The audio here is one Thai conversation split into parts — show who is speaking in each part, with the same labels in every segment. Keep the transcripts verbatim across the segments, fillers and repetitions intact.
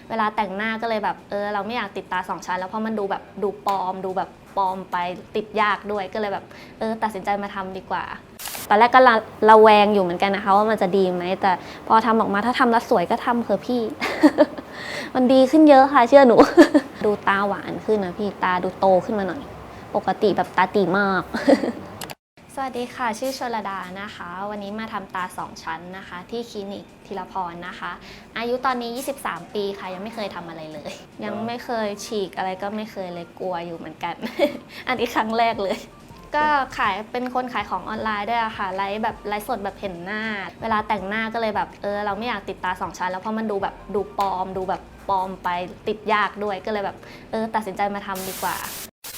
Speaker 1: เวลาแต่งหน้าก็เลยแบบเออเราไม่อยากติดตาสองชั้นแล้วเพราะมันดูแบบดูปลอมดูแบบปลอมไปติดยากด้วยก็เลยแบบเออตัดสินใจมาทำดีกว่าตอนแรกก็ระระแวงอยู่เหมือนกันนะคะว่ามันจะดีไหมแต่พอทำออกมาถ้าทำแล้วสวยก็ทำเถอะพี่ มันดีขึ้นเยอะค่ะเชื่อหนู ดูตาหวานขึ้นนะพี่ตาดูโตขึ้นมาหน่อยปกติแบบตาตีมาก สวัสดีค่ะชื่อชลดานะคะวันนี้มาทำตาสองชั้นนะคะที่คลินิกธีรพรนะคะอายุตอนนี้ยี่สิบสามปีค่ะยังไม่เคยทำอะไรเลยยังไม่เคยฉีกอะไรก็ไม่เคยเลยกลัวอยู่เหมือนกัน อันนี้ครั้งแรกเลยก็ขายเป็นคนขายของออนไลน์ด้วยอะค่ะไลฟ์แบบไลฟ์สดแบบเห็นหน้าเวลาแต่งหน้าก็เลยแบบเออเราไม่อยากติดตาสองชั้นแล้วเพราะมันดูแบบดูปลอมดูแบบปลอมไปติดยากด้วยก็เลยแบบเออตัดสินใจมาทำดีกว่า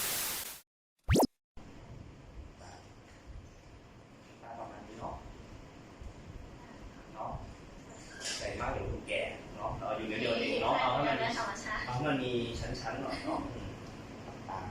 Speaker 2: ใส่มากเดี๋ยวคุณแก่เนาะเอาอยู่เดียวๆเองเนาะเอาให้มันเอาให้มันมีชั้นๆหน่อยเนาะตา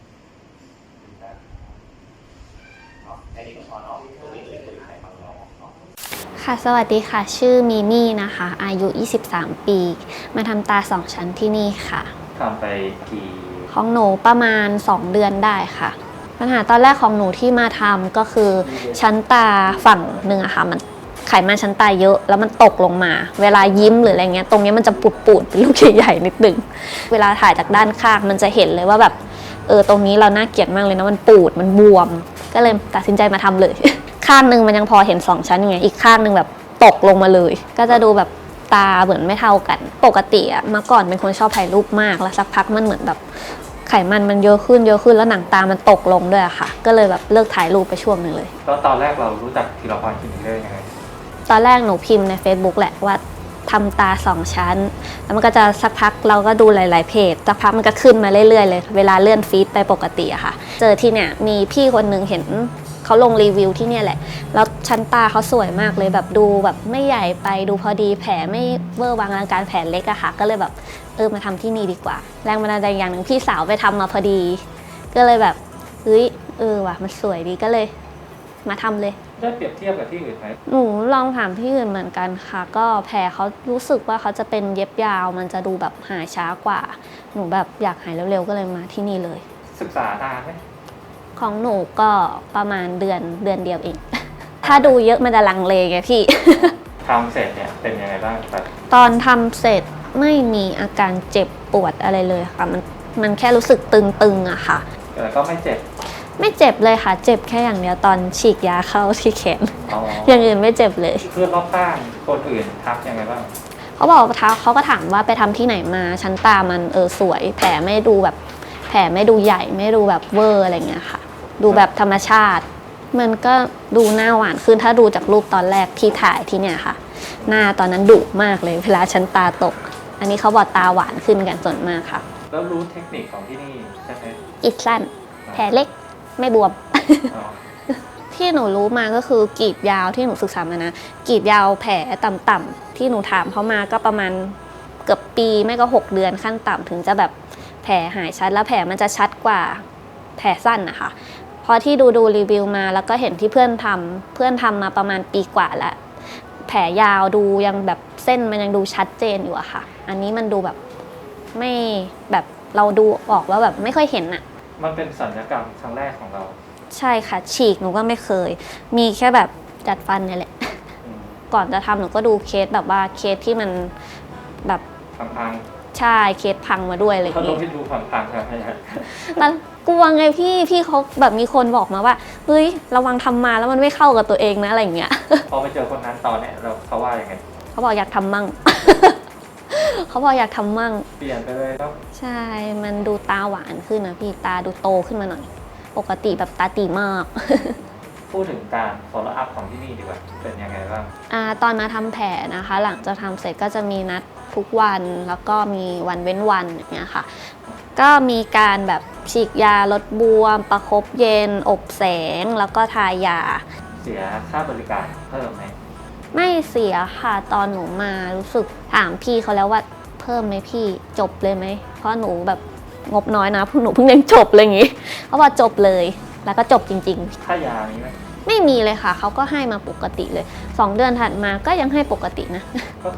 Speaker 2: เนาะแค่นี้ก็พอเนาะตัวนี้เลยคือใครฟังเราเนาะ
Speaker 1: ค่ะสวัสดีค่ะชื่อมิมี่นะคะอายุยี่สิบสามปีมาทำตาสองชั้นที่นี่ค่ะ
Speaker 2: ทำไปกี่
Speaker 1: ของหนูประมาณสองเดือนได้ค่ะปัญหาตอนแรกของหนูที่มาทำก็คือชั้นตาฝั่งหนึ่งอะค่ะมันไขมันชั้นตาเยอะแล้วมันตกลงมาเวลายิ้มหรืออะไรเงี้ยตรงนี้มันจะปูดๆเป็นลูกใหญ่ๆนิดนึงเวลาถ่ายจากด้านข้างมันจะเห็นเลยว่าแบบเออตรงนี้เราน่าเกลียดมากเลยนะมันปูดมันบวมก็เลยตัดสินใจมาทำเลย ข้างหนึ่งมันยังพอเห็นสองชั้นอย่างเงี้ยอีกข้างหนึ่งแบบตกลงมาเลยก็จะดูแบบตาเหมือนไม่เท่ากันปกติอะเมื่อก่อนเป็นคนชอบถ่ายรูปมากแล้วสักพักมันเหมือนแบบไขมันมันเยอะขึ้นเยอะขึ้นแล้วหนังตามันตกลงด้วยอะค่ะก็เลยแบบเลิกถ่ายรูปไปช่วงหนึ่งเลย
Speaker 2: แล้วตอนแรกเรารู้จักธีรพรคลินิกได้ยังไง
Speaker 1: ตอนแรกหนูพิมพ์ใน Facebook แหละว่าทำตาสองชั้นแล้วมันก็จะสักพักเราก็ดูหลายๆเพจสักพักมันก็ขึ้นมาเรื่อยๆเลยเวลาเลื่อนฟีดไปปกติอะค่ะเจอที่เนี่ยมีพี่คนนึงเห็นเขาลงรีวิวที่เนี่ยแหละแล้วชั้นตาเขาสวยมากเลยแบบดูแบบไม่ใหญ่ไปดูพอดีแผลไม่เวอร์วังอลังการแผลเล็กอะค่ะก็เลยแบบเออมาทำที่นี่ดีกว่าแรงบันดาลใจอย่างหนึ่งพี่สาวไปทำมาพอดีก็เลยแบบเฮ้ยเออว่ะมันสวยดีก็เลยมาทำเลย
Speaker 2: ได้เปรียบเทียบกับที่อื่นไหม
Speaker 1: หนูลองถามที่อื่นเหมือนกันค่ะก็แผลเขารู้สึกว่าเขาจะเป็นเย็บยาวมันจะดูแบบหายช้ากว่าหนูแบบอยากหายเร็วๆก็เลยมาที่นี่เลย
Speaker 2: ศึกษานานไหม
Speaker 1: ของหนูก็ประมาณเดือนเดือนเดียวเอง ถ้าดูเยอะมันจะลังเลไงพี่
Speaker 2: ทำเสร็จเนี่ยเป็นยังไงบ้างครับ
Speaker 1: ตอนทำเสร็จไม่มีอาการเจ็บปวดอะไรเลยค่ะมันมันแค่รู้สึกตึงๆอะค่ะ
Speaker 2: แต่ก็ไม่เจ็บ
Speaker 1: ไม่เจ็บเลยค่ะเจ็บแค่อย่างเดียวตอนฉีกยาเข้าที่แขน อย่างอื่นไม่เจ็บเลย
Speaker 2: เพื่อนรอบข้างคนอื่นทักยังไงบ้าง
Speaker 1: เขาบอกท้าเขาก็ถามว่าไปทำที่ไหนมาชั้นตามันเออสวยแผลไม่ดูแบบแผลไม่ดูใหญ่ไม่ดูแบบเวอร์อะไรเงี้ยค่ะดูแบบธรรมชาติมันก็ดูหน้าหวานขึ้นถ้าดูจากรูปตอนแรกที่ถ่ายที่เนี่ยค่ะหน้าตอนนั้นดุมากเลยเวลาชั้นตาตกอันนี้เขาบอกตาหวานขึ้นกันส่วนมากค่ะ
Speaker 2: แล้วรู้เทคนิคของที่นี่ใช่ไหม
Speaker 1: อิดสั้นแผลเล็กไม่บวม ที่หนูรู้มาก็คือกรีดยาวที่หนูศึกษามานะกรีดยาวแผลต่ำๆที่หนูถามเขามาก็ประมาณเกือบปีไม่ก็หกเดือนขั้นต่ำถึงจะแบบแผลหายชัดแล้วแผลมันจะชัดกว่าแผลสั้นนะคะพอที่ดูดูรีวิวมาแล้วก็เห็นที่เพื่อนทำเพื่อนทำมาประมาณปีกว่าแล้วแผลยาวดูยังแบบเส้นมันยังดูชัดเจนอยู่อะค่ะอันนี้มันดูแบบไม่แบบเราดูออกว่าแบบไม่ค่อยเห็นอะ
Speaker 2: มันเป็นศัลยกรรมครั้งแรกของเรา
Speaker 1: ใช่ค่ะฉีกหนูก็ไม่เคยมีแค่แบบจัดฟันนี่แหละก่อนจะทำหนูก็ดูเคสแบบว่าเคสที่มันแบบ
Speaker 2: พัง
Speaker 1: ๆใช่เคสพังมาด้วยอะไรอย่าง
Speaker 2: เงี้ยเขา
Speaker 1: ต้อง
Speaker 2: ให้ดูพังๆใช่ไหม
Speaker 1: แล้วกลัวไงพี่พี่เขาแบบมีคนบอกมาว่าเฮ้ยระวังทำมาแล้วมันไม่เข้ากับตัวเองนะอะไรอย่างเงี้ย
Speaker 2: พอไปเจอคนนั้นตอนเนี้ยเราเขาว่ายังไง
Speaker 1: เขาบอกอยากทำมั่ง เขาบอกอยากทำมั่ง
Speaker 2: เปลี่ยนไปเลยครับ
Speaker 1: ใช่มันดูตาหวานขึ้นนะพี่ตาดูโตขึ้นมาหน่อยปกติแบบตาตีมาก
Speaker 2: พูดถึงการ follow up ของที่นี่ดีกว่าเป็นยังไงบ้าง
Speaker 1: อ่าตอนมาทำแผลนะคะหลังจากทำเสร็จก็จะมีนัดทุกวันแล้วก็มีวันเว้นวันอย่างเงี้ยค่ะก็มีการแบบฉีดยาลดบวมประคบเย็นอบแสงแล้วก็ทายา
Speaker 2: เสียค่าบริการเพิ่มไหม
Speaker 1: ไม่เสียค่ะตอนหนูมารู้สึกถามพี่เขาแล้วว่าเพิ่มไหมพี่จบเลยไหมเพราะหนูแบบงบน้อยนะพวกหนูเพิ่งยังจบเลยอย่างงี้เขาบอกจบเลยแล้วก็จบจริง
Speaker 2: ๆค่ายามีไหม
Speaker 1: ไม่มีเลยค่ะเขาก็ให้มาปกติเลยสองเดือนถัดมาก็ยังให้ปกตินะ
Speaker 2: ก็คือ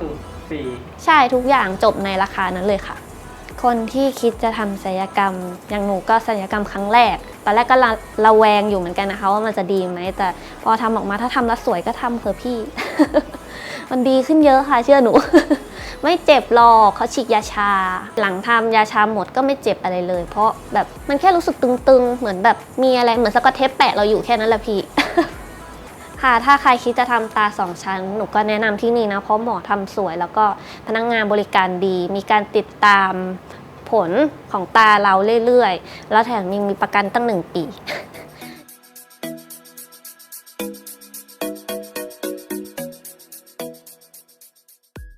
Speaker 3: ฟรี
Speaker 1: ใช่ทุกอย่างจบในราคานั้นเลยค่ะ คนที่คิดจะทำศัลยกรรมอย่างหนูก็ศัลยกรรมครั้งแรก ตอนแรกก็ระระแวงอยู่เหมือนกันนะคะว่ามันจะดีไหมแต่พอทำออกมาถ้าทำแล้วสวยก็ทำเถอะพี่ มันดีขึ้นเยอะค่ะเชื่อหนู ไม่เจ็บหรอกเขาฉีดยาชา หลังทำยาชาหมดก็ไม่เจ็บอะไรเลย เพราะแบบมันแค่รู้สึกตึงๆ เหมือนแบบมีอะไรเหมือนสกอตเทปแปะเราอยู่แค่นั้นแหละพี่ ค่ะถ้าใครคิดจะทำตาสองชั้นหนูก็แนะนำที่นี่นะเพราะหมอทำสวยแล้วก็พนักงานบริการดี มีการติดตามผลของตาเราเรื่อยๆ แล้วแถมยังมีประกันตั้งหนึ่งปี